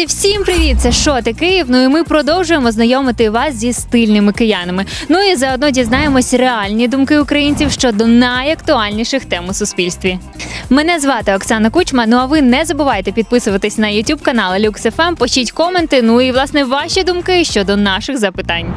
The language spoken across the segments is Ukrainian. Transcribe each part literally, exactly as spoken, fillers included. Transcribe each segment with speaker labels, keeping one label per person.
Speaker 1: Друзі, всім привіт! Це «Шоти Київ». Ну і ми продовжуємо знайомити вас зі стильними киянами. Ну і заодно дізнаємось реальні думки українців щодо найактуальніших тем у суспільстві. Мене звати Оксана Кучма, ну а ви не забувайте підписуватись на ютуб канал Люкс еф ем, пишіть коменти, ну і, власне, ваші думки щодо наших запитань.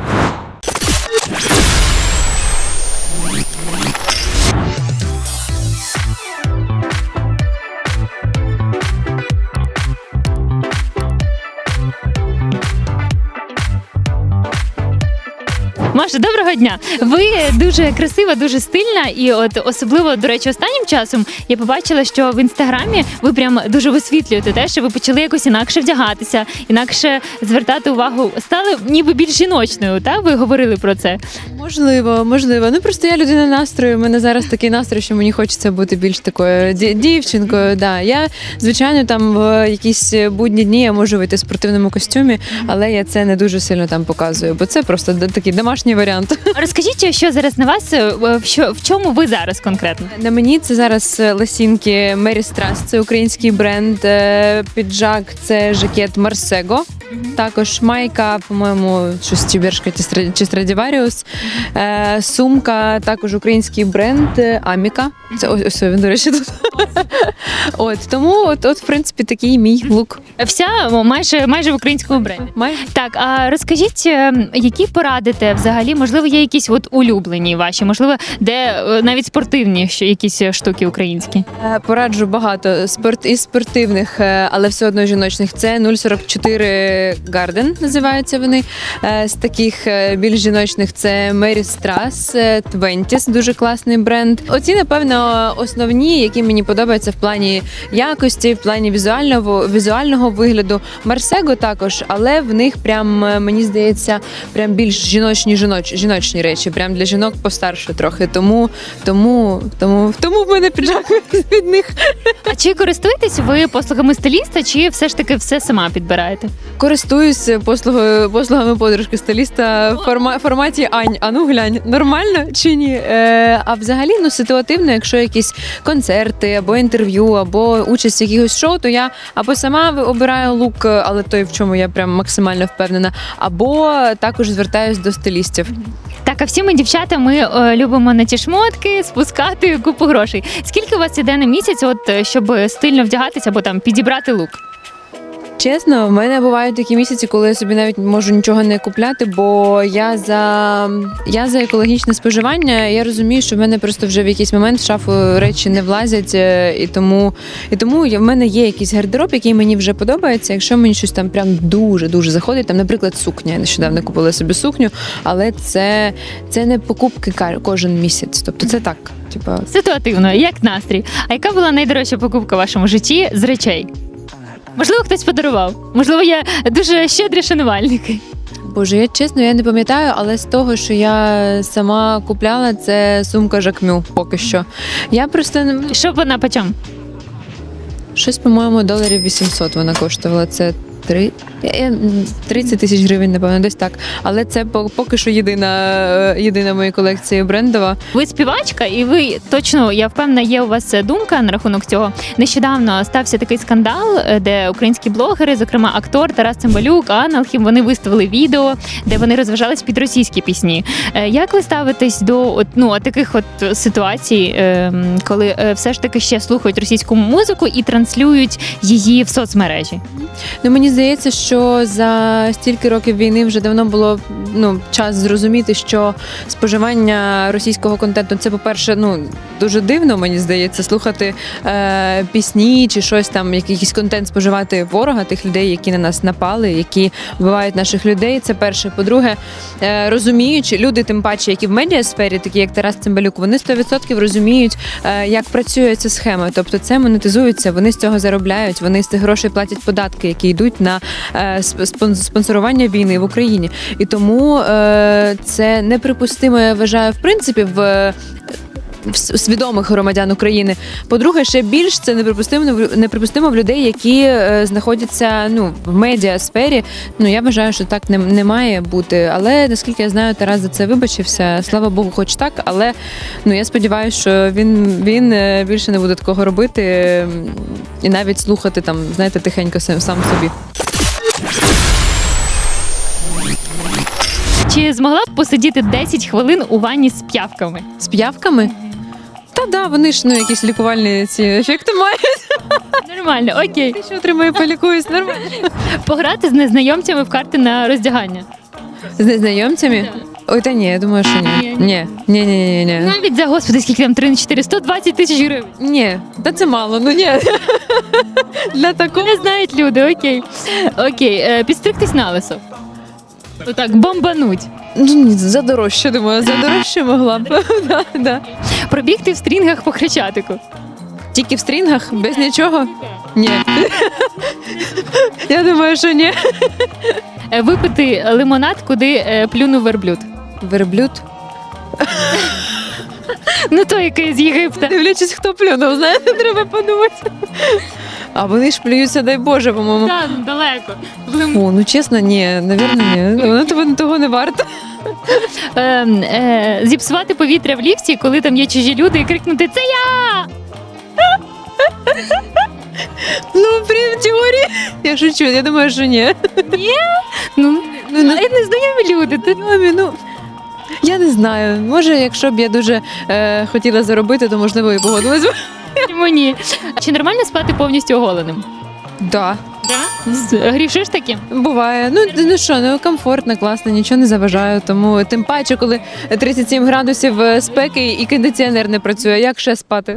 Speaker 1: Маша, доброго дня! Ви дуже красива, дуже стильна, і от особливо, до речі, останнім часом я побачила, що в інстаграмі ви прям дуже висвітлюєте те, що ви почали якось інакше вдягатися, інакше звертати увагу, стали ніби більш жіночною, так? Ви говорили про це?
Speaker 2: Можливо, можливо. Ну просто я людина настрою, у мене зараз такий настрій, що мені хочеться бути більш такою дівчинкою. Да. Я, звичайно, там в якісь будні дні я можу вийти в спортивному костюмі, але я це не дуже сильно там показую, бо це просто такий домашній варіант.
Speaker 1: Розкажіть, що зараз на вас, в, що, в чому ви зараз конкретно?
Speaker 2: На мені це зараз лосінки Мері Страс, це український бренд, піджак, це жакет Марсего, також майка, по-моєму, щось Тібершка чи Страдіваріус, сумка, також український бренд Аміка, це ось, ось він, до речі, тут. От, тому, от, от, в принципі, такий мій лук.
Speaker 1: Вся майже, майже в українському бренді.
Speaker 2: Майже.
Speaker 1: Так, а розкажіть, які порадите взагалі, можливо, є якісь от улюблені ваші, можливо, де навіть спортивні якісь штуки українські?
Speaker 2: Пораджу багато спорт із спортивних, але все одно жіночних. Це нуль сорок чотири Garden, називаються вони. З таких більш жіночних це Mary Strass, Twenties, дуже класний бренд. Оці, напевно, основні, які мені подобаються в плані якості, в плані візуального, візуального вигляду. Марсего також, але в них прям, мені здається, прям більш жіночні, жіноч, жіночні речі, прям для жінок постарше трохи. Тому, тому, тому, тому в мене піджак від них.
Speaker 1: А чи користуєтесь ви послугами стиліста, чи все ж таки все сама підбираєте?
Speaker 2: Користуюсь послугою, послугами подружки-стиліста в форма, форматі «Ань, а ну глянь, нормально чи ні?» Е, а взагалі, ну, ситуативно, якщо якісь концерти, або інтерв'ю, або участь в якихось шоу, то я або сама обираю лук, але той, в чому я прям максимально впевнена, або також звертаюсь до стилістів.
Speaker 1: Так, а всі ми, дівчата, ми е, любимо на ті шмотки спускати купу грошей. Скільки у вас іде на місяць, от, щоб стильно вдягатися або там підібрати лук?
Speaker 2: Чесно, в мене бувають такі місяці, коли я собі навіть можу нічого не купляти, бо я за, я за екологічне споживання, я розумію, що в мене просто вже в якийсь момент в шафу речі не влазять, і тому, і тому в мене є якийсь гардероб, який мені вже подобається. Якщо мені щось там прям дуже-дуже заходить, там, наприклад, сукня, я нещодавно купила собі сукню, але це, це не покупки кожен місяць, тобто це так. Типа...
Speaker 1: Ситуативно, як настрій. А яка була найдорожча покупка в вашому житті з речей? Можливо, хтось подарував. Можливо, є дуже щедрі шанувальники.
Speaker 2: Боже, я чесно, я не пам'ятаю, але з того, що я сама купляла, це сумка Жакмю поки що. Я просто...
Speaker 1: Що вона по чому?
Speaker 2: Щось, по-моєму, доларів вісімсот вона коштувала. Це три... тридцять тисяч гривень, напевно, десь так. Але це поки що єдина, єдина моя колекція брендова.
Speaker 1: Ви співачка, і ви точно, я впевнена, є у вас думка на рахунок цього. Нещодавно стався такий скандал, де українські блогери, зокрема актор Тарас Цимбалюк, Анна Алхім, вони виставили відео, де вони розважались під російські пісні. Як ви ставитесь до от, ну, таких от ситуацій, коли все ж таки ще слухають російську музику і транслюють її в соцмережі?
Speaker 2: Ну, мені здається, що за стільки років війни вже давно було ну, час зрозуміти, що споживання російського контенту – це, по-перше, ну, дуже дивно, мені здається, слухати е, пісні чи щось там, якийсь контент споживати ворога, тих людей, які на нас напали, які вбивають наших людей. Це перше. По-друге, е, розуміючи, люди, тим паче, які в медіасфері, такі як Тарас Цимбалюк, вони сто відсотків розуміють, е, як працює ця схема. Тобто це монетизується, вони з цього заробляють, вони з цих грошей платять податки, які йдуть на е, спонсорування війни в Україні. І тому е, це неприпустимо, я вважаю, в принципі, в свідомих громадян України. По-друге, ще більш це неприпустимо, неприпустимо в людей, які е, знаходяться ну, в медіасфері. Ну, я вважаю, що так не, не має бути. Але, наскільки я знаю, Тарас за це вибачився. Слава Богу, хоч так. Але ну, я сподіваюся, що він, він більше не буде такого робити і навіть слухати там, знаєте, тихенько сам собі.
Speaker 1: Чи змогла б посидіти десять хвилин у ванні з п'явками?
Speaker 2: З п'явками? Та да, вони ж ну якісь лікувальні ці ефекти мають.
Speaker 1: Нормально, окей.
Speaker 2: Ти що отримаю, полікуюсь, нормально.
Speaker 1: Пограти з незнайомцями в карти на роздягання.
Speaker 2: З незнайомцями? Ой, та ні, я думаю, що ні.
Speaker 1: Ні.
Speaker 2: Ні, ні, ні, ні, ні.
Speaker 1: Навіть за, господи, скільки там, три на чотири, сто двадцять тисяч гривень.
Speaker 2: Ні, та це мало, ну ні. Для такого.
Speaker 1: Не знають люди, окей. Окей, е, підстригтись на лисо. Отак, бомбануть.
Speaker 2: Ну, ні, за дорожче, думаю, за дорожче могла б. Да, да.
Speaker 1: Пробігти в стрінгах по Хрещатику.
Speaker 2: Тільки в стрінгах, без нічого? Ні. Я думаю, що ні.
Speaker 1: Е, Випити лимонад, куди е, плюнув верблюд.
Speaker 2: Верблюд.
Speaker 1: Ну той, який з Єгипта.
Speaker 2: Дивлячись, хто плюнув, знаєте, треба подумати. А вони ж плюються, дай Боже, по-моєму.
Speaker 1: Так, далеко. Лим-
Speaker 2: О, ну чесно, ні, навірно, ні. Воно того, того не варто.
Speaker 1: Е, е, зіпсувати повітря в ліфті, коли там є чужі люди, і крикнути «Це я!»
Speaker 2: Ну, при в теорії. Я шучу, я думаю, що ні.
Speaker 1: Ну,
Speaker 2: Ну, не
Speaker 1: а незнайомі люди. Ти...
Speaker 2: знайомі, ну. Я не знаю. Може, якщо б я дуже е, хотіла заробити, то можливо і погодилась би.
Speaker 1: Чому ні? Чи нормально спати повністю оголеним?
Speaker 2: Да.
Speaker 1: З- Грішиш таки?
Speaker 2: Буває. Ну, ну що, ну комфортно, класно, нічого не заважаю. Тому тим паче, коли тридцять сім градусів е, спеки і кондиціонер не працює, як ще спати?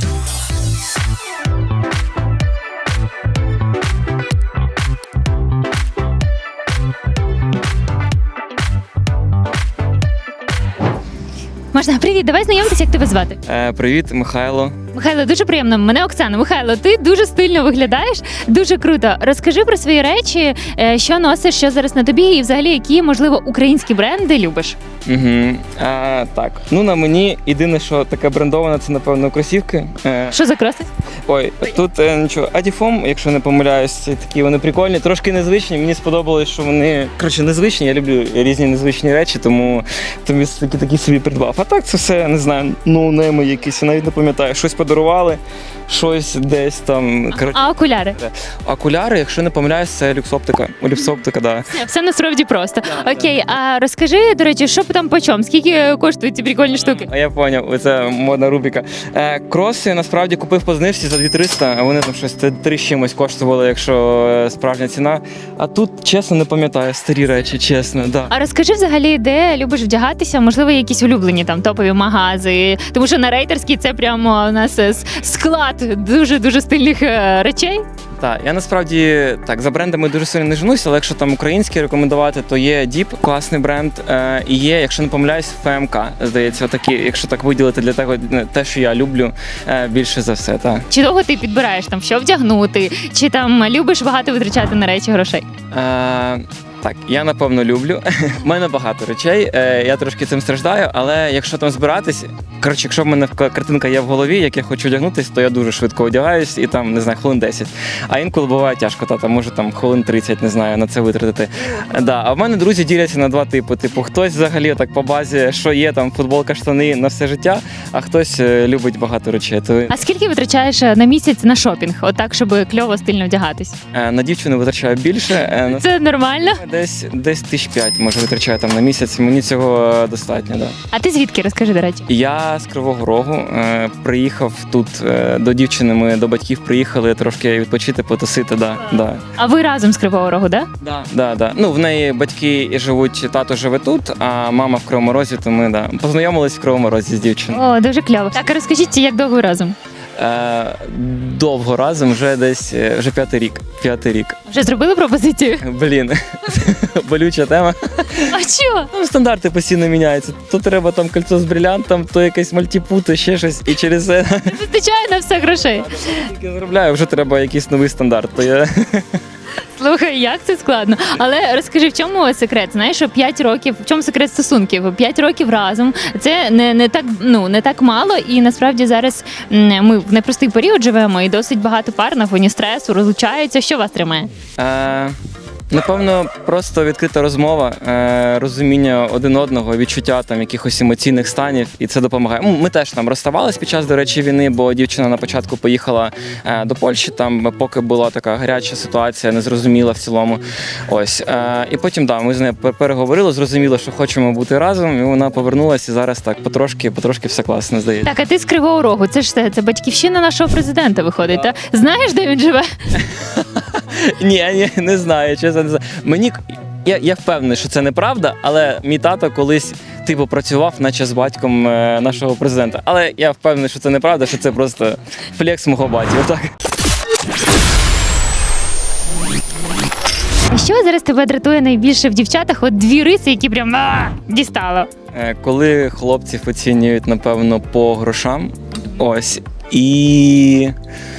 Speaker 1: Можна, привіт, давай знайомитися, як тебе звати.
Speaker 3: Е, привіт, Михайло.
Speaker 1: Михайло, дуже приємно. Мене Оксана. Михайло, ти дуже стильно виглядаєш, дуже круто. Розкажи про свої речі, е, що носиш, що зараз на тобі, і взагалі які, можливо, українські бренди любиш.
Speaker 3: Угу. А, так, ну на мені єдине, що таке брендоване, це напевно кросівки. Е,
Speaker 1: Що за кроси?
Speaker 3: ой, тут е, нічого, Адіфом, якщо не помиляюсь, це такі вони прикольні, трошки незвичні. Мені сподобалось, що вони коротше незвичні. Я люблю різні незвичні речі, тому тому такі такі собі придбав. А так це все не знаю, ноунейми якісь, я навіть не пам'ятаю. Щось подарували, щось десь там. Коротше,
Speaker 1: А окуляри?
Speaker 3: окуляри, якщо не помиляюсь, це люксоптика. Люксоптика, да.
Speaker 1: Все насправді просто. Окей, а розкажи, до речі, що там по чому? Скільки коштують ці прикольні штуки?
Speaker 3: А я поняв, це модна рубрика. Е, кроси насправді купив по знижці за дві триста, а вони там щось три з чимось коштували, якщо е, справжня ціна. А тут, чесно, не пам'ятаю, старі речі, чесно, да.
Speaker 1: А розкажи взагалі, де любиш вдягатися? Можливо, якісь улюблені там топові магази. Тому що на рейтерській це прямо у нас е, с- склад дуже дуже стильних е, речей.
Speaker 3: Так, я насправді так за брендами дуже сильно не женуся, але якщо там українські рекомендувати, то є Діп, класний бренд, е, і є, якщо не помиляюсь, ФМК, здається, отакі, якщо так виділити для того, те, що я люблю е, більше за все. Так.
Speaker 1: Чи довго ти підбираєш там, що вдягнути, чи там любиш багато витрачати на речі грошей?
Speaker 3: Е, Так, я напевно люблю. У мене багато речей, е, я трошки цим страждаю, але якщо там збиратись, коротше, якщо в мене к- картинка є в голові, як я хочу одягнутись, то я дуже швидко одягаюсь і там, не знаю, хвилин десять. А інколи буває тяжко, та там може там хвилин тридцять, не знаю, на це витратити. Да. А в мене друзі діляться на два типи. Типу, хтось взагалі так по базі, що є, там футболка, штани на все життя, а хтось е, любить багато речей. То
Speaker 1: А скільки витрачаєш е, на місяць на шопінг? Отак, щоб кльово стильно вдягатись?
Speaker 3: е, на дівчину витрачаю більше. е, на
Speaker 1: Це нормально?
Speaker 3: Десь десь тисяч п'ять, може, витрачаю там на місяць. Мені цього е, достатньо. Да.
Speaker 1: А ти звідки? Розкажи, до речі.
Speaker 3: Я з Кривого Рогу е, приїхав тут е, до дівчини. Ми до батьків приїхали трошки відпочити, потусити. Да, да.
Speaker 1: А ви разом з Кривого Рогу, да?
Speaker 3: Да, да, да. Ну, в неї батьки живуть, тато живе тут, а мама в Кривому Розі, то ми да, познайомились в Кривому Розі з дівчиною.
Speaker 1: О, дуже кльово. Так, а розкажіть, як довго ви разом?
Speaker 3: Е, довго разом, вже десь е, вже п'ятий рік. П'ятий рік.
Speaker 1: Вже зробили пропозицію?
Speaker 3: Блін, болюча тема.
Speaker 1: А що?
Speaker 3: Там стандарти постійно міняються. То треба там кольцо з брилянтом, то якесь мальтіпу, то ще щось. І через це
Speaker 1: Не вистачає на все грошей.
Speaker 3: тільки заробляю, вже треба якийсь новий стандарт. То я...
Speaker 1: Слухай, як це складно. Але розкажи, в чому секрет? Знаєш, що п'ять років, в чому секрет стосунків? п'ять років разом. Це не, не так, ну, не так мало, і насправді зараз м, ми в непростий період живемо, і досить багато пар на фоні стресу розлучаються. Що вас тримає?
Speaker 3: Е, Напевно, просто відкрита розмова, е, розуміння один одного, відчуття там якихось емоційних станів, і це допомагає. М, Ми теж там розставались під час, до речі, війни, бо дівчина на початку поїхала е, до Польщі, там поки була така гаряча ситуація, незрозуміла в цілому. Ось. Е, і потім, да, ми з нею пер- переговорили, зрозуміли, що хочемо бути разом, і вона повернулася, і зараз так потрошки, потрошки все класно, здається.
Speaker 1: Так, а ти з Кривого Рогу, це ж це, це батьківщина нашого президента виходить, та? Знаєш, де він живе?
Speaker 3: Ні, ні, не знаю, чесно не знаю. Мені я, я впевнений, що це неправда, але мій тато колись типу працював, наче з батьком е, нашого президента. Але я впевнений, що це неправда, що це просто флекс мого батька. Отак.
Speaker 1: Що зараз тебе дратує найбільше в дівчатах? От дві риси, які прям а, дістало.
Speaker 3: Е, Коли хлопців оцінюють, напевно, по грошам, ось і.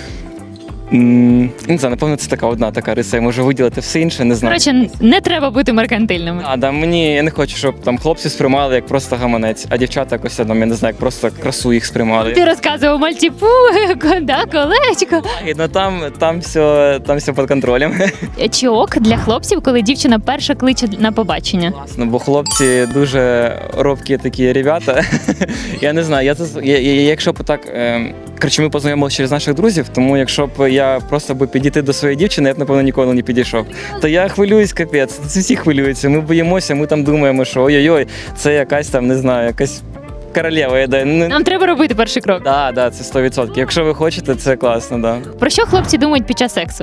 Speaker 3: м, Не знаю, напевно, це така одна така риса. Я можу виділити все інше, не знаю.
Speaker 1: Коротше, не треба бути меркантильними.
Speaker 3: А, да, мені я не хочу, щоб там хлопці сприймали як просто гаманець, а дівчата якось там, я не знаю, як просто красу їх сприймали.
Speaker 1: Ти розказував мальтіпу, да, колечко.
Speaker 3: І, ну там, там все, там все під контролем.
Speaker 1: Чи ок для хлопців, коли дівчина перша кличе на побачення?
Speaker 3: Ну, бо хлопці дуже робкі такі ребята. Я не знаю, я, це- я, я якщо б так. Е, коротше, ми познайомилися через наших друзів, тому якщо б я просто би підійти до своєї дівчини, я б, напевно, ніколи не підійшов. То я хвилююсь, капець. Це всі хвилюються. Ми боїмося, ми там думаємо, що ой-ой-ой, це якась там, не знаю, якась королева йде. Ну,
Speaker 1: Нам треба робити перший крок.
Speaker 3: да, да, це сто відсотків. Якщо ви хочете, це класно, да.
Speaker 1: Про що хлопці думають під час сексу?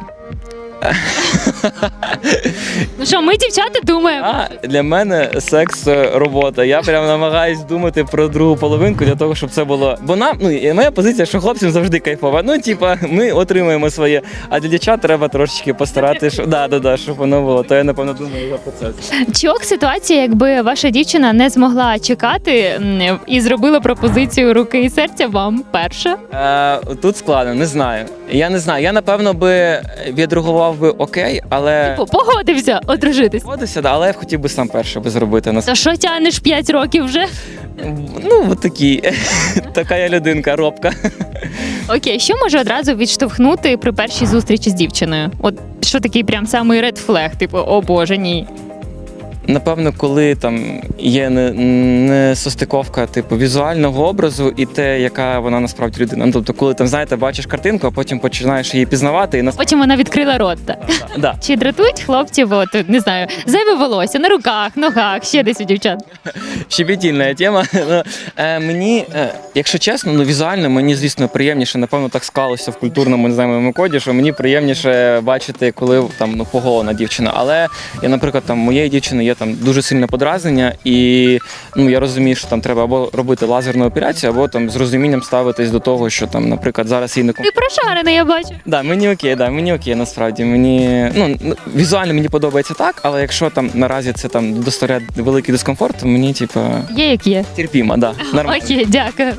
Speaker 1: Ну що, ми, дівчата, думаємо.
Speaker 3: А для мене секс це робота. Я прям намагаюсь думати про другу половинку для того, щоб це було. Бо нам, ну і моя позиція, що хлопцям завжди кайфова. Ну, типа, ми отримуємо своє, а для дівчат треба трошечки постаратися, щоб да, да, да, щоб воно було. То я напевно думаю за процес.
Speaker 1: Чи ок ситуація, якби ваша дівчина не змогла чекати м, і зробила пропозицію руки і серця вам перша?
Speaker 3: Е, тут складно, не знаю. Я не знаю. Я напевно би відреагував би окей, але
Speaker 1: Типу, погодився одружитись.
Speaker 3: Погодився, да, але я б хотів би сам перше би зробити.
Speaker 1: Та що тянеш п'ять років вже?
Speaker 3: Ну, от такі. Така я людинка, робка.
Speaker 1: Окей, що може одразу відштовхнути при першій зустрічі з дівчиною? От що такий прям самий ред флег, типу, о боже, ні.
Speaker 3: Напевно, коли там є не, не состиковка типу візуального образу і те, яка вона насправді людина. Ну, тобто, коли там, знаєте, бачиш картинку, а потім починаєш її пізнавати і нас...
Speaker 1: Потім вона відкрила рот. Так.
Speaker 3: да.
Speaker 1: Чи дратують хлопців, от, не знаю, зайве волосся на руках, ногах, ще десь у дівчат?
Speaker 3: Щебетільна тема. Ну, е, мені, е, якщо чесно, ну візуально мені, звісно, приємніше, напевно, так склалося в культурному, не знаю, моєму коді, що мені приємніше бачити, коли там ну поголена дівчина. Але я, наприклад, там моєї дівчини є там дуже сильне подразнення, і ну я розумію, що там треба або робити лазерну операцію, або там з розумінням ставитись до того, що там, наприклад, зараз їй не ком...
Speaker 1: Ти прошарений, я бачу.
Speaker 3: Да, мені окей, да, мені окей, насправді. Мені ну ну, візуально мені подобається так, але якщо там наразі це там доставляє великий дискомфорт, то мені типу
Speaker 1: Є як є.
Speaker 3: терпімо, да. Нормально.
Speaker 1: Окей, дякую.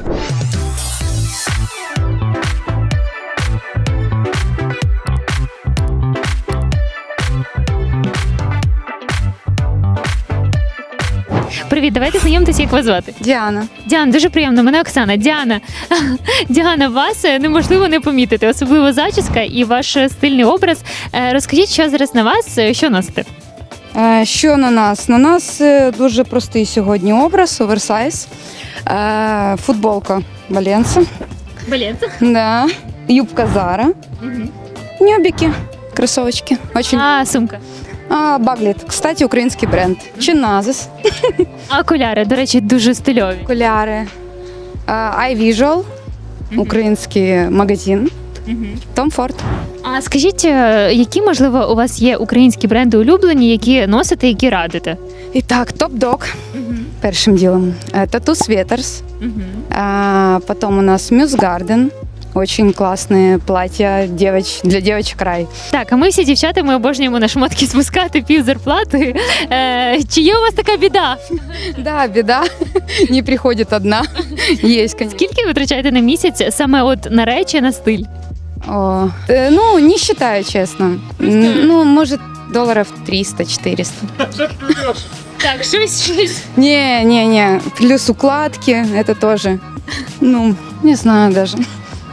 Speaker 1: Привіт, давайте знайомитися, як вас звати.
Speaker 4: Діана.
Speaker 1: Діана, дуже приємно, мене Оксана. Діана, Діана, вас е, неможливо не помітити, особливо зачіска і ваш е, стильний образ. Е, Розкажіть, що зараз на вас, е, що носите?
Speaker 4: Е, Що на нас? На нас е, дуже простий сьогодні образ, оверсайз. Е, Футболка Валенса.
Speaker 1: Баленце.
Speaker 4: Да. Юбка Зара. Ньобики. Кроссовочки. Очень.
Speaker 1: А, сумка.
Speaker 4: А, Багліт. Кстати, український бренд. Чиназис.
Speaker 1: А окуляри, до речі, дуже стильові.
Speaker 4: Окуляри. Е, iVisual. Український магазин. Tom Ford.
Speaker 1: А скажіть, е, які, можливо, у вас є українські бренди улюблені, які носите, які радите?
Speaker 4: І так, Top Dog. Першим ділом. Е, Tattoo Sweaters. А, потом у нас Muse Garden. Очень классные платья девоч... для девочек рай.
Speaker 1: Так, а ми всі дівчата, ми обожнюємо на шмотки спускати пів зарплати. Е, чи є у вас така біда?
Speaker 4: Да, беда. Не приходит одна. Есть, конечно.
Speaker 1: Скільки ви витрачаєте на місяць саме от на речі, на стиль?
Speaker 4: О, э, ну, не считаю, честно. М, Ну, может, долларов триста-четыреста.
Speaker 1: Так, щось, щось.
Speaker 4: Не, не, не. Плюс укладки, это тоже. Ну, не знаю даже.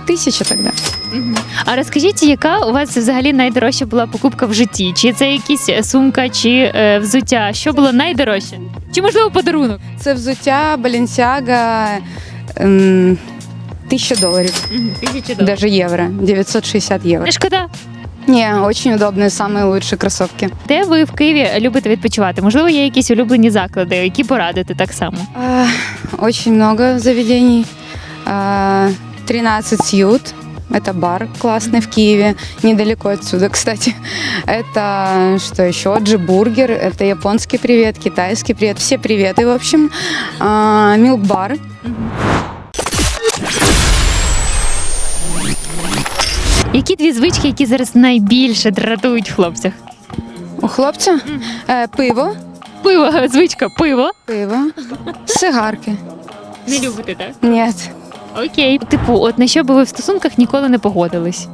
Speaker 4: тысяча тогда.
Speaker 1: А розкажіть, яка у вас взагалі найдорожча була покупка в житті? Чи це якісь сумка, чи е, взуття? Що було найдорожче? Чи можливо подарунок?
Speaker 4: Це взуття Balenciaga ем, тысяча долларов,
Speaker 1: Тисячі
Speaker 4: даже евро, девятьсот шестьдесят евро.
Speaker 1: Не шкода.
Speaker 4: Не, очень удобные, самые лучшие кроссовки.
Speaker 1: Де ви в Києві любите відпочивати? Можливо, є якісь улюблені заклади, які порадите так само?
Speaker 4: А, Очень много заведений. А, тринадцать Сьют. Это бар классный в Киеве, недалеко отсюда, кстати. Это что еще? Джи-бургер, это японский привет, китайский привет, все приветы, в общем. А, Милк-бар.
Speaker 1: Які дві звички, які зараз найбільше дратують в хлопцях?
Speaker 4: У хлопця е, пиво,
Speaker 1: Пиво, звичка, пиво.
Speaker 4: пиво, сигарки.
Speaker 1: Не любите, так?
Speaker 4: Ні.
Speaker 1: Окей. Типу, от на що би ви в стосунках ніколи не погодились?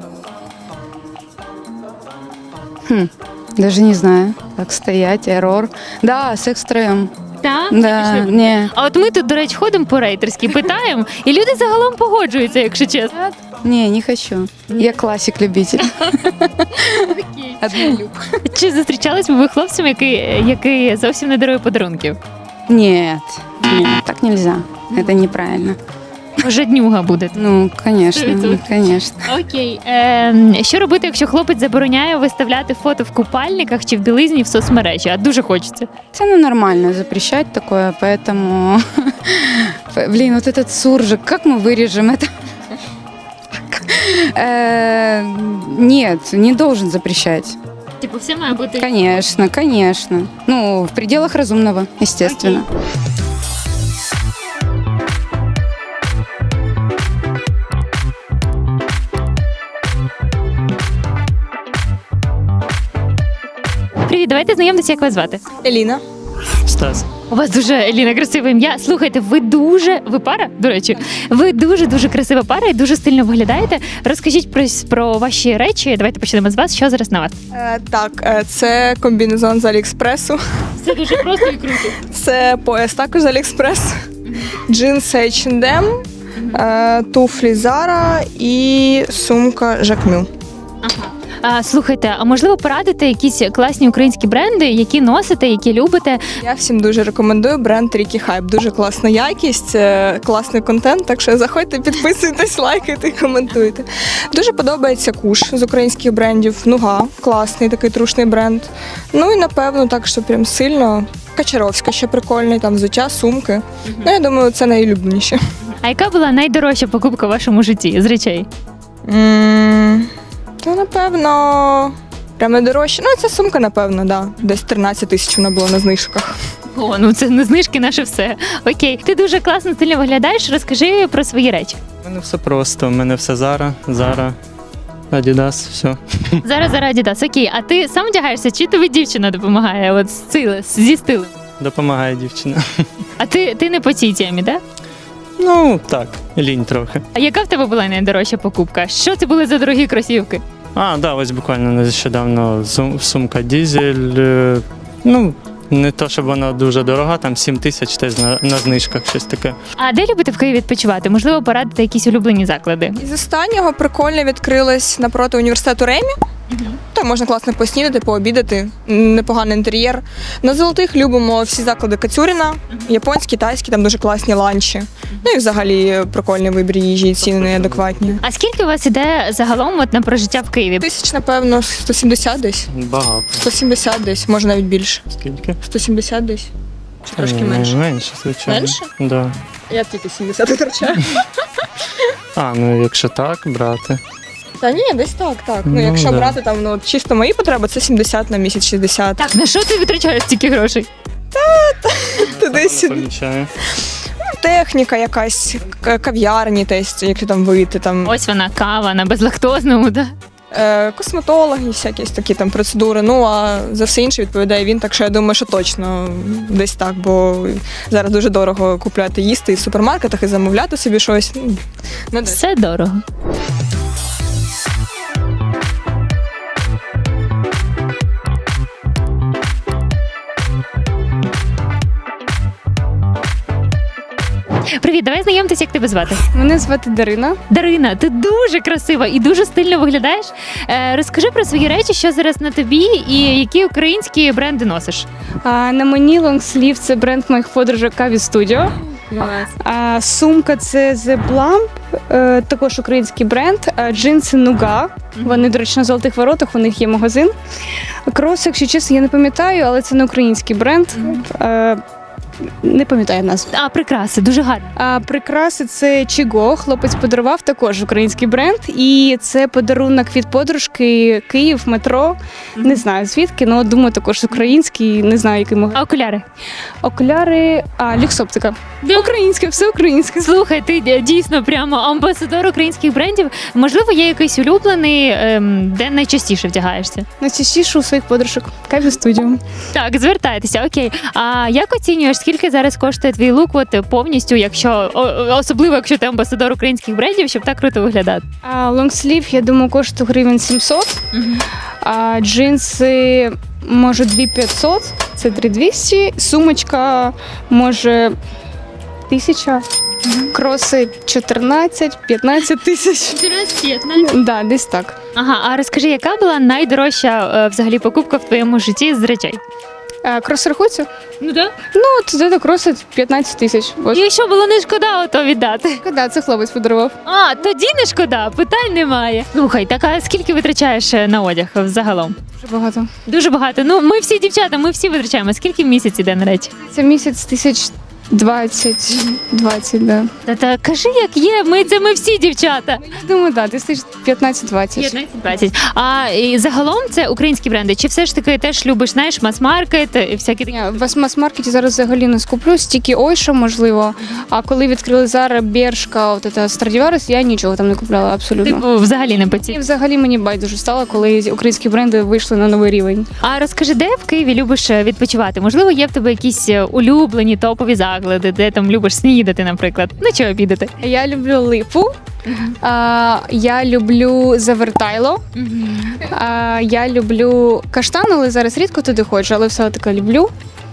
Speaker 4: Хм, даже не знаю, как стоять, эррор. Да, секс втроем.
Speaker 1: Так?
Speaker 4: Да, не.
Speaker 1: А от ми тут, до речі, ходимо по рейтерськи, питаємо, і люди загалом погоджуються, якщо чесно.
Speaker 4: Не, не хочу. Я классик-любитель. Однолюб.
Speaker 1: Чи зустрічались би ви хлопцем, який, який зовсім не дарує подарунків?
Speaker 4: Нет, нет, так нельзя. Это неправильно.
Speaker 1: Жаднюга буде.
Speaker 4: Ну, конечно,
Speaker 1: Сто
Speaker 4: конечно.
Speaker 1: Окей. Е, що робити, якщо хлопець забороняє виставляти фото в купальниках чи в білизні в соцмережі? А дуже хочеться.
Speaker 4: Это ну, нормально запрещать такое, поэтому... Блин, вот этот суржик, как мы вырежем это? Э, Нет, не должен запрещать.
Speaker 1: Типу, все має бути.
Speaker 4: Конечно, конечно. Ну, в пределах разумного, естественно.
Speaker 1: Привіт, давайте знайомитися, як вас звати.
Speaker 5: Еліна.
Speaker 6: Стас.
Speaker 1: У вас дуже, Еліна, красиве ім'я. Слухайте, ви дуже, ви пара, до речі, ви дуже-дуже красива пара і дуже стильно виглядаєте. Розкажіть про, про ваші речі. Давайте почнемо з вас. Що зараз на вас?
Speaker 5: Е, так, е, це комбінезон з Аліекспресу.
Speaker 1: Все дуже просто і круто.
Speaker 5: Це пояс також з Аліекспрес. Джинси ейч енд ем, е, туфлі Zara і сумка Jacquemus.
Speaker 1: Ага. А, слухайте, а можливо порадити якісь класні українські бренди, які носите, які любите?
Speaker 5: Я всім дуже рекомендую бренд Ricky Hype. Дуже класна якість, е, класний контент, так що заходьте, підписуйтесь, лайкайте і коментуйте. Дуже подобається Куш з українських брендів. Нуга, класний такий трушний бренд. Ну і напевно так, що прям сильно. Качаровська ще прикольний, там взуття, сумки. Ну, я думаю, це найулюбленіше.
Speaker 1: А яка була найдорожча покупка в вашому житті з речей?
Speaker 5: М, Та напевно, прямо дорожче. Ну, ця сумка, напевно, да. Десь тринадцять тисяч вона була на знижках.
Speaker 1: О, ну це не знижки, наше все. Окей, ти дуже класно стильно виглядаєш. Розкажи про свої речі.
Speaker 6: У мене все просто. У мене все Zara, Zara, Adidas, все.
Speaker 1: Зараз зараз Adidas. Окей, а ти сам вдягаєшся, чи тобі дівчина допомагає? От з стилем, зі стилем.
Speaker 6: Допомагає дівчина.
Speaker 1: А ти, ти не по цій темі, так?
Speaker 6: Ну, так, лінь трохи.
Speaker 1: А яка в тебе була найдорожча покупка? Що це були за дорогі кросівки?
Speaker 6: А, да, ось буквально нещодавно сум- сумка Дізель. е, Ну, не то, щоб вона дуже дорога, там сім тисяч теж на, на знижках, щось таке.
Speaker 1: А де любите в Києві відпочивати? Можливо, порадити якісь улюблені заклади?
Speaker 5: Із останнього прикольно відкрилось напроти університету Ремі. Там можна класно поснідати, пообідати, непоганий інтер'єр. На золотих любимо всі заклади Кацюріна, японські, тайські, там дуже класні ланчі. Ну і взагалі прикольний вибір їжі, і ціни неадекватні.
Speaker 1: А скільки у вас іде загалом от на прожиття в Києві?
Speaker 5: Тисяч, напевно, сто сімдесят десь.
Speaker 6: Багато.
Speaker 5: сто сімдесят десь, може навіть більше.
Speaker 6: Скільки?
Speaker 5: сто сімдесят десь. Чи трошки
Speaker 6: Ні,
Speaker 5: менше.
Speaker 6: Менше, звичайно.
Speaker 5: Менше?
Speaker 6: Да.
Speaker 5: Я тільки сімдесят витрачаю.
Speaker 6: А, ну якщо так, брати.
Speaker 5: Та ні, десь так, так. Ну,
Speaker 6: Ну,
Speaker 5: якщо
Speaker 6: да.
Speaker 5: брати там, ну, от чисто мої потреби, це сімдесят на місяць, шістдесят.
Speaker 1: Так, на що ти витрачаєш стільки грошей?
Speaker 5: Ти десь
Speaker 6: Помічаю.
Speaker 5: техніка якась, к- кав'ярні, десь, якщо там вийти, там
Speaker 1: Ось вона, кава на безлактозному, да?
Speaker 5: е, косметологи, всякі такі там процедури. Ну а за все інше відповідає він. Так що я думаю, що точно десь так, бо зараз дуже дорого купляти їсти і в супермаркетах і замовляти собі щось. Ну, не десь.
Speaker 1: Все дорого. Привіт, давай знайомтесь, як тебе звати.
Speaker 7: Мене звати Дарина.
Speaker 1: Дарина, ти дуже красива і дуже стильно виглядаєш. Е, розкажи про свої речі, що зараз на тобі і які українські бренди носиш.
Speaker 7: А, на мені лонгслів це бренд моїх подружок Каві Studio. А, сумка це The Blamp, е, також український бренд. А, джинси Нуга. Вони, до речі, на Золотих Воротах, у них є магазин. Кроси, якщо чесно, я не пам'ятаю, але це не український бренд. Е, не пам'ятаю назву.
Speaker 1: А прикраси, дуже гарно.
Speaker 7: А прикраси це Чіго. Хлопець подарував, також український бренд. І це подарунок від подружки Київ, метро. Не знаю звідки, але думаю, також український, не знаю, який магазин.
Speaker 1: А окуляри?
Speaker 7: Окуляри, а люксоптика. Українське, все українське.
Speaker 1: Слухай, ти д- дійсно прямо амбасадор українських брендів. Можливо, є якийсь улюблений, ем, де найчастіше вдягаєшся?
Speaker 7: Найчастіше у своїх подружок. Каві студіо.
Speaker 1: Так, звертайтеся, окей. А як оцінюєш, скільки зараз коштує твій лук от повністю, якщо о- особливо, якщо ти амбасадор українських брендів, щоб так круто виглядати?
Speaker 7: А лонгслів, я думаю, коштує гривень сімсот. А джинси, може, дві тисячі п'ятсот. Це три тисячі двісті. Сумочка, може, тисяча. Кроси чотирнадцять-п'ятнадцять тисяч. Да, десь так.
Speaker 1: Ага, а розкажи, яка була найдорожча е, взагалі покупка в твоєму житті з речей?
Speaker 7: А, крос рахується?
Speaker 1: Ну так.
Speaker 7: Ну, от це кроси п'ятнадцять тисяч. Ось.
Speaker 1: І що було не шкода, ото віддати.
Speaker 7: Да, це хлопець подарував.
Speaker 1: А, тоді не шкода, питань немає. Слухай, так а скільки витрачаєш е, на одяг взагалом?
Speaker 7: Дуже багато.
Speaker 1: Дуже багато. Ну, ми всі дівчата, ми всі витрачаємо. Скільки в місяць іде на речі?
Speaker 7: Це місяць тисяч двадцять, двадцять, да.
Speaker 1: Та, та кажи, як є, ми це ми всі дівчата.
Speaker 7: Думаю, да, десь тисяч п'ятнадцять-двадцять.
Speaker 1: п'ятнадцять-двадцять. А і загалом це українські бренди? Чи все ж таки теж любиш, знаєш, мас-маркет і всякі такі?
Speaker 7: Ні, в мас-маркеті зараз взагалі не скуплюсь, тільки Ойша, можливо. А коли відкрили Zara, Бершка, от це Stradivarius, я нічого там не купляла абсолютно.
Speaker 1: Типу, взагалі не
Speaker 7: І
Speaker 1: поці.
Speaker 7: взагалі мені байдуже стало, коли українські бренди вийшли на новий рівень.
Speaker 1: А розкажи, де в Києві любиш е, відпочивати? Можливо, є в тебе якісь е, улюблені топові заклади, де там любиш снідати, наприклад, ну чи обідати?
Speaker 7: Я люблю Липу, а, я люблю Завертайло, а, я люблю Каштан, але зараз рідко туди ходжу, але все таки люблю.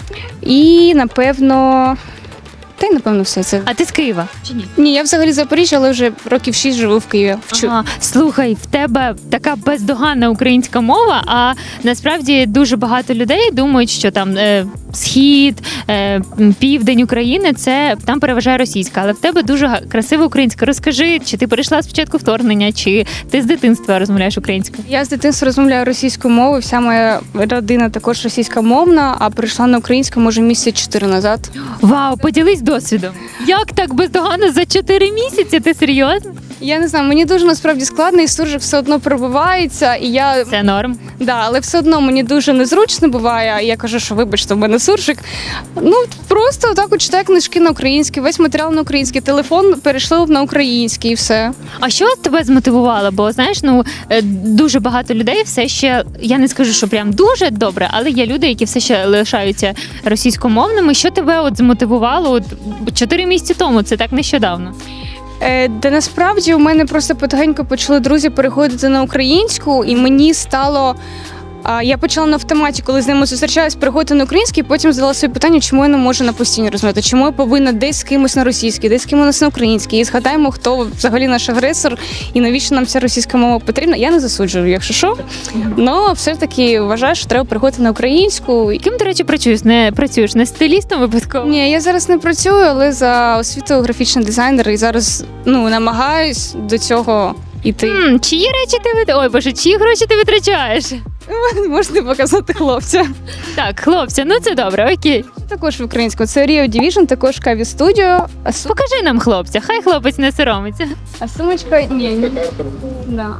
Speaker 7: І, напевно, та й напевно все це.
Speaker 1: А ти з Києва? Чи ні?
Speaker 7: Ні, я взагалі з Запоріжжя, але вже років шість живу в Києві. Вчу.
Speaker 1: Ага. Слухай, в тебе така бездоганна українська мова, а насправді дуже багато людей думають, що там е, схід, е, південь України це там переважає російська, але в тебе дуже га- красива українська. Розкажи, чи ти перейшла спочатку вторгнення, чи ти з дитинства розмовляєш українською?
Speaker 7: Я з дитинства розмовляю російською мовою, вся моя родина також російськомовна, а прийшла на українську, може, місяць чотири назад.
Speaker 1: Вау, поділись досвідом. Як так бездоганно за чотири місяці? Ти серйозно?
Speaker 7: Я не знаю, мені дуже насправді складно, і суржик все одно пробивається, і я
Speaker 1: Це норм.
Speaker 7: да, але все одно мені дуже незручно буває. Я кажу, що вибачте, в мене суржик. Ну просто так от читаю книжки на українській, весь матеріал на український, телефон перейшли на український і все.
Speaker 1: А що тебе змотивувало? Бо знаєш, ну е, дуже багато людей все ще, я не скажу, що прям дуже добре, але є люди, які все ще лишаються російськомовними. Що тебе от змотивувало от чотири місяці тому? Це так нещодавно.
Speaker 7: Е, Де насправді у мене просто потихеньку почали друзі переходити на українську, і мені стало. А я почала на автоматі, коли з ними зустрічалась, переходити на український, потім задала собі питання, чому я не можу на постійно розмовляти, чому я повинна десь з кимось на російській, десь з кимось на українській. І згадаємо, хто взагалі наш агресор і навіщо нам ця російська мова потрібна. Я не засуджую, якщо що. Але все ж таки вважаю, що треба переходити на українську.
Speaker 1: Ким, до речі, працюєш? Не працюєш не стилістом випадково?
Speaker 7: Ні, я зараз не працюю, але за освітою графічний дизайнер і зараз ну намагаюсь до цього йти.
Speaker 1: М, чиї речі ти вит... Ой, боже, чиї гроші ти витрачаєш?
Speaker 7: Можете показати хлопця.
Speaker 1: Так, хлопці, ну це добре, окей.
Speaker 7: Також в українську. Це Rio Division, також Каві Studio. А, су...
Speaker 1: Покажи нам хлопця, хай хлопець не соромиться.
Speaker 7: а сумочка ні. ні. Да.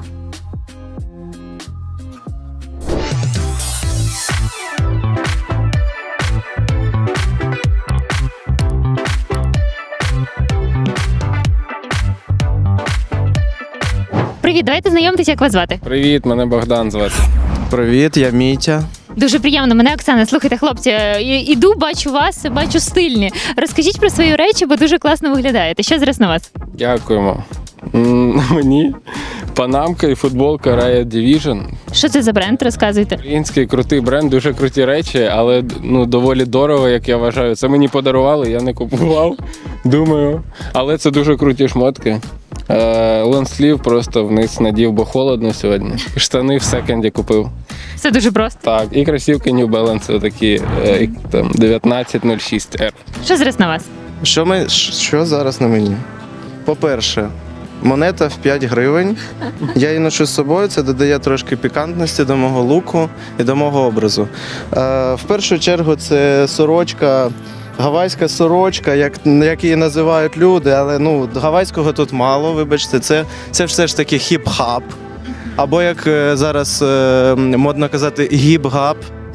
Speaker 1: Привіт, давайте знайомитися, як вас звати.
Speaker 8: Привіт, мене Богдан звати.
Speaker 9: Привіт, я Мітя.
Speaker 1: Дуже приємно. Мене Оксана. Слухайте, хлопці, е, іду, бачу вас, бачу стильні. Розкажіть про свої речі, бо дуже класно виглядаєте. Що зараз на вас?
Speaker 8: Дякуємо. М, Мені панамка і футболка Riot Division.
Speaker 1: Що це за бренд? Розказуйте.
Speaker 8: Український крутий бренд, дуже круті речі, але ну доволі дорого, як я вважаю. Це мені подарували, я не купував. Думаю. Але це дуже круті шмотки. Е, лонслів просто вниз надів, бо холодно сьогодні. Штани в секонді купив.
Speaker 1: Все дуже просто.
Speaker 8: Так, і кросівки New Balance такі е, там дев'ятнадцять нуль шість ар.
Speaker 1: Що зараз на вас?
Speaker 9: Що, ми, що зараз на мені? По-перше, монета в п'ять гривень. Я її ношу з собою, це додає трошки пікантності до мого луку і до мого образу. Е, в першу чергу це сорочка, гавайська сорочка, як, як її називають люди, але ну, гавайського тут мало, вибачте, це, це все ж таки хіп-хап. Або як е, зараз е, модно казати, гіп-гап.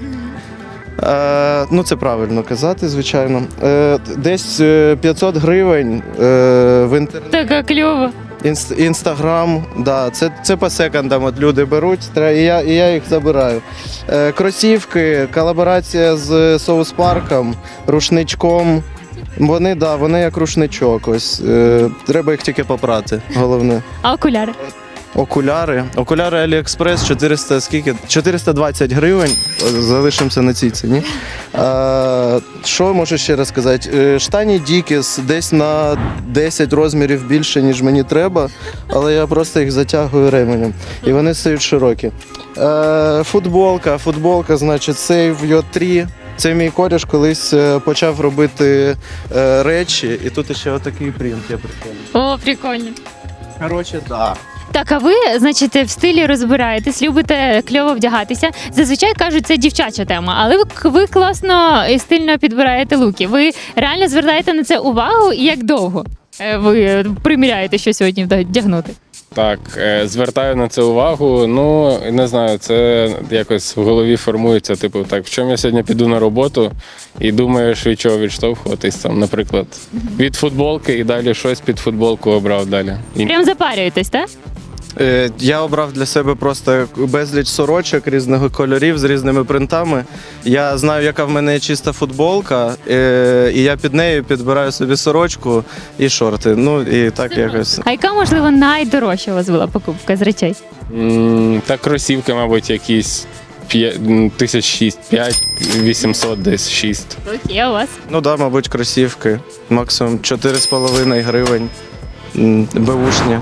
Speaker 9: Е, ну, це правильно казати, звичайно. Е, десь е, п'ятсот гривень е, в інтернеті.
Speaker 1: Така кльово.
Speaker 9: Інст, інстаграм, да, це, це по секондам от люди беруть, тре- і я, і я їх забираю. Е, кросівки, колаборація з соус-парком, рушничком. Вони, да, вони як рушничок. Ось. Е, треба їх тільки попрати, головне.
Speaker 1: А окуляри?
Speaker 9: Окуляри. Окуляри Аліекспрес чотириста, скільки? чотириста двадцять гривень. Залишимося на цій ціні. А, що можу ще раз сказати? Е, Штані Дікіс десь на десять розмірів більше, ніж мені треба, але я просто їх затягую ременем. І вони стають широкі. Е, Футболка. Футболка, значить, Save Your три. Це мій кореш колись е, почав робити е, речі, і тут ще отакий принт я прикольний.
Speaker 1: О, прикольно.
Speaker 9: Коротше, так.
Speaker 1: Так, а ви, значить, в стилі розбираєтесь, любите кльово вдягатися. Зазвичай кажуть, це дівчача тема, але ви, ви класно і стильно підбираєте луки. Ви реально звертаєте на це увагу і як довго е, ви приміряєте, що сьогодні вдягнути?
Speaker 8: Так, е, звертаю на це увагу. Ну, не знаю, це якось в голові формується. Типу, так, в чому я сьогодні піду на роботу і думаєш, від чого відштовхуватись, там, наприклад, від футболки і далі щось під футболку обрав далі. І
Speaker 1: Прям запарюєтесь, так?
Speaker 9: Е, Я обрав для себе просто безліч сорочок різних кольорів з різними принтами. Я знаю, яка в мене є чиста футболка, е, і я під нею підбираю собі сорочку і шорти. Ну і так якось.
Speaker 1: А яка, можливо, найдорожча у вас була покупка з речей?
Speaker 8: М, Та кросівки, мабуть, якісь п'ять- м, тисяч шість, п'ять, вісімсот десь шість.
Speaker 1: Окей, а у вас?
Speaker 9: Ну так, да, мабуть, кросівки. Максимум чотири з половиною гривень. М, Беушні.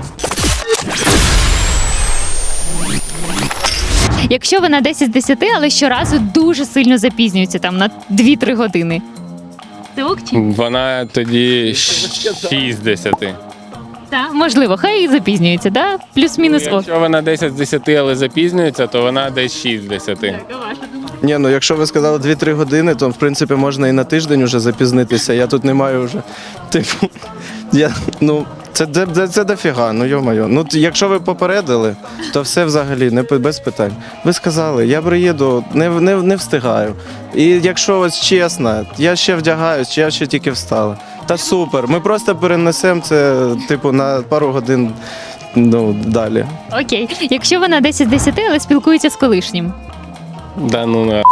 Speaker 1: Якщо ви на десять з десяти, але щоразу дуже сильно запізнюється там на дві-три години. Це ок чи?
Speaker 8: Вона тоді шість з десяти.
Speaker 1: Так, можливо, хай і запізнюється, да? Плюс-мінус ок.
Speaker 8: Якщо вона десять з десяти, але запізнюється, то вона десь шість з десяти.
Speaker 9: Ні, ну якщо ви сказали дві-три години, то в принципі можна і на тиждень вже запізнитися. Я тут не маю вже. Типу, я, ну, це, це, це, це дофіга, ну йо-моє. Ну, т- якщо ви попередили, то все взагалі не пи- без питань. Ви сказали, я приїду, не, в- не, не встигаю. І якщо ось чесно, я ще вдягаюсь, чи я ще тільки встала. Та супер, ми просто перенесемо це, типу, на пару годин ну, далі.
Speaker 1: Окей. Якщо ви на десять з десяти, але спілкується з колишнім.
Speaker 8: Да ну на.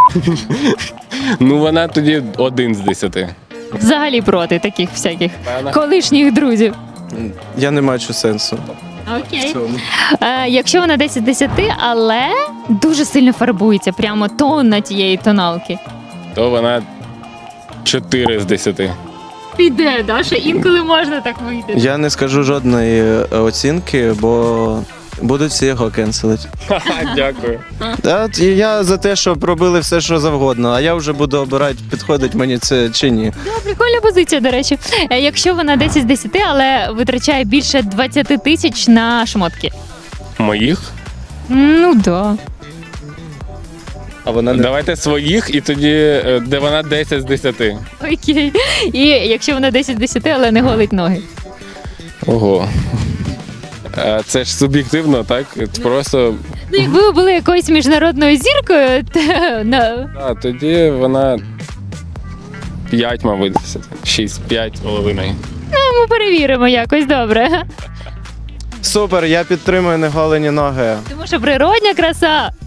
Speaker 8: Ну вона тоді один з десяти.
Speaker 1: Взагалі проти таких всяких
Speaker 8: Вона-
Speaker 1: колишніх друзів.
Speaker 9: Я не бачу сенсу в
Speaker 1: Окей.
Speaker 9: цьому.
Speaker 1: Е, якщо вона десять з десяти, але дуже сильно фарбується, прямо тонна тієї тоналки.
Speaker 8: То вона чотири з десяти.
Speaker 1: Піде, да? Ще інколи можна так вийти.
Speaker 9: Я не скажу жодної е, оцінки, бо будуть всі його кенселити.
Speaker 8: Дякую.
Speaker 9: Та, і я за те, щоб робили все, що завгодно, а я вже буду обирати, підходить мені це чи ні.
Speaker 1: Да, прикольна позиція, до речі. Е, якщо вона десять з десяти, але витрачає більше двадцять тисяч на шмотки.
Speaker 8: Моїх?
Speaker 1: Ну да.
Speaker 9: А вона не
Speaker 8: Давайте своїх і тоді, е, де вона десять з десяти.
Speaker 1: Окей. І якщо вона десять з десяти, але не голить ноги.
Speaker 8: Ого. Е, Це ж суб'єктивно, так? Просто
Speaker 1: Ну, якби ви були якоюсь міжнародною зіркою, то на
Speaker 8: да, тоді вона п'ять, мабуть, десяти. шість, п'ять з половиною.
Speaker 1: ми перевіримо якось добре.
Speaker 9: супер, я підтримую неголені ноги.
Speaker 1: Тому що природня краса